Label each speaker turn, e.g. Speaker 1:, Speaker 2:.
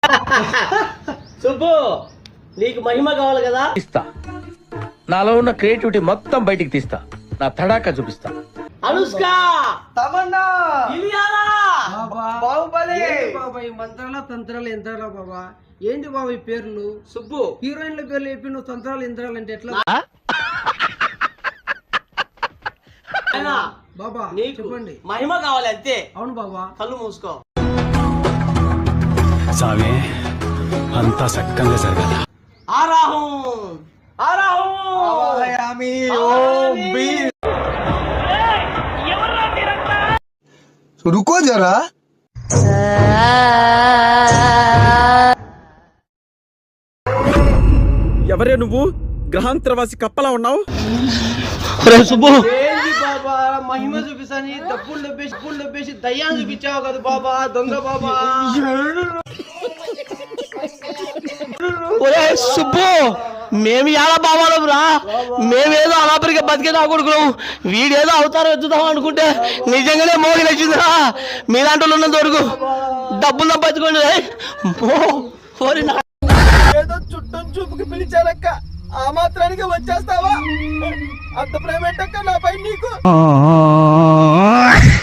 Speaker 1: సుబ్బు నీకు మహిమ కావాలి కదా,
Speaker 2: ఇస్తా. నాలో ఉన్న క్రియేటివిటీ మొత్తం బయటికి తీస్తా, నా తడాకా చూపిస్తా.
Speaker 1: అనుష్క,
Speaker 3: తమన్నా,
Speaker 1: ఇలియానా,
Speaker 3: బాహుబలి.
Speaker 4: బాబా ఈ మంత్రాల తంత్రాలు యంత్రాల బాబా ఏంటి బాబా ఈ పేర్లు?
Speaker 1: సుబ్బు
Speaker 4: హీరోయిన్ల పేర్లు చెప్పి నువ్వు తంత్రాలు యంత్రాలు అంటే ఎట్లా
Speaker 1: అయినా
Speaker 4: బాబా?
Speaker 1: నీకు
Speaker 4: చెప్పండి.
Speaker 1: మహిమ కావాలి అంతే.
Speaker 4: అవును బాబా.
Speaker 1: కళ్ళు మూసుకో.
Speaker 5: సామే అంతా సక్కంగా జరగాల.
Speaker 1: ఆరాహం ఆరాహం
Speaker 3: ఆవాహయామి ఓం భీం. रुको जरा.
Speaker 6: ఎవరే నువ్వు? గ్రహాంతరవాసి కప్పలా ఉన్నావు.
Speaker 1: సుబ్బు
Speaker 4: ఏంటి బాబా మహిమ చూపిస్తాని డబ్బులు డబ్బేసి దయ్యాన్ని చూపించావు కదా బాబా, దొంగ బాబా.
Speaker 1: ఒరే సుబ్బు, మేము ఎలా బావాలం రా, మేమేదో అలాపరిగా బతికేదా కొడుకున్నాం, వీడేదో అవతారం ఎత్తుదాం అనుకుంటే నిజంగానే మోగి నచ్చిందిరా. మీలాంటి వాళ్ళు ఉన్నంత వరకు డబ్బులు తప్పించుకోండి.
Speaker 3: ఏదో చుట్టం చూపుకి పిలిచారక్క, ఆ మాత్రానికి వచ్చేస్తావా? అంత ప్రేమ ఏంటక్క నాపై నీకు?